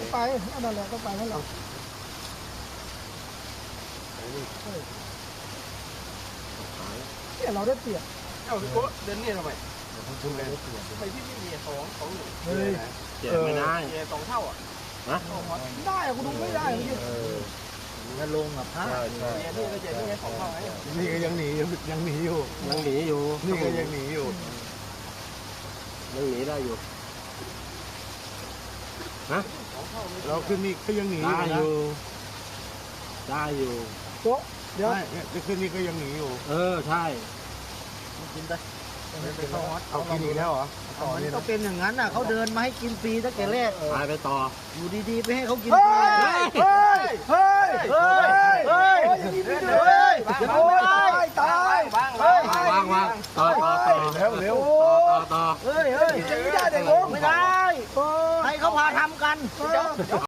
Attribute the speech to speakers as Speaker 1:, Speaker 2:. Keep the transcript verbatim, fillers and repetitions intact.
Speaker 1: ไปนั่นแหละต้องไปนั่นแหละเนี่ยเราได้เปรียบ
Speaker 2: เอ้าพี่โก้เดินเนี่ยทำไมทำไมพี่พี่มีสองสองหนึ่ง
Speaker 1: เฮ้ย
Speaker 3: เจ็บไม่ได้
Speaker 2: มีสองเท่าอ่ะ
Speaker 3: นะ
Speaker 1: ได้อะกูดูไม่ได้เมื่อกี้
Speaker 4: จะลงอ่ะพลาด
Speaker 3: ใช่ใช่
Speaker 2: เนี่ยนี่ก็เจ็บนี่ไงสองเท่าไง
Speaker 4: นี่ก็ยังหนียังหนีอยู่
Speaker 3: ยังหนีอยู่
Speaker 4: นี่ก็ยังหนีอยู่
Speaker 3: ยังหนีได้อยู่นะ
Speaker 4: เราขึ้นนี่ก็ยังหนีอ
Speaker 3: ได้
Speaker 4: ยู่
Speaker 3: อยู่ได้อยู่
Speaker 1: โต๊ะเดี๋ยว
Speaker 4: ใช่จะขึ้นนี่ก็ยังหนีอยู่
Speaker 3: เออใช่
Speaker 4: กินไปเอากินอีกแล้วเหรอต่อ
Speaker 5: มัน
Speaker 4: นี่
Speaker 5: ก็
Speaker 4: นะ
Speaker 5: เป็นอย่างนั้นน่ะเขาเดินมาให้กินฟรีตั้งแต่แรก
Speaker 3: ตายไปต่อ
Speaker 5: อยู่ดีๆไปให้เขากิน
Speaker 1: เฮ้
Speaker 5: ฟรี
Speaker 1: ยเฮ้ยเฮ้ยเฮ้ยเฮ้ยเฮ้ยโอ้ยตาย
Speaker 2: บ้างบ้าง
Speaker 3: วางวางต่อต่อต่อ
Speaker 4: แล้วเร็ว
Speaker 3: ต่อต่อ
Speaker 5: เฮ้ยเฮ้ย
Speaker 1: ไม่ได้เด็กลง
Speaker 5: ไม่ได้
Speaker 1: เออ
Speaker 5: ให้เขาพาทำกัน
Speaker 1: เออ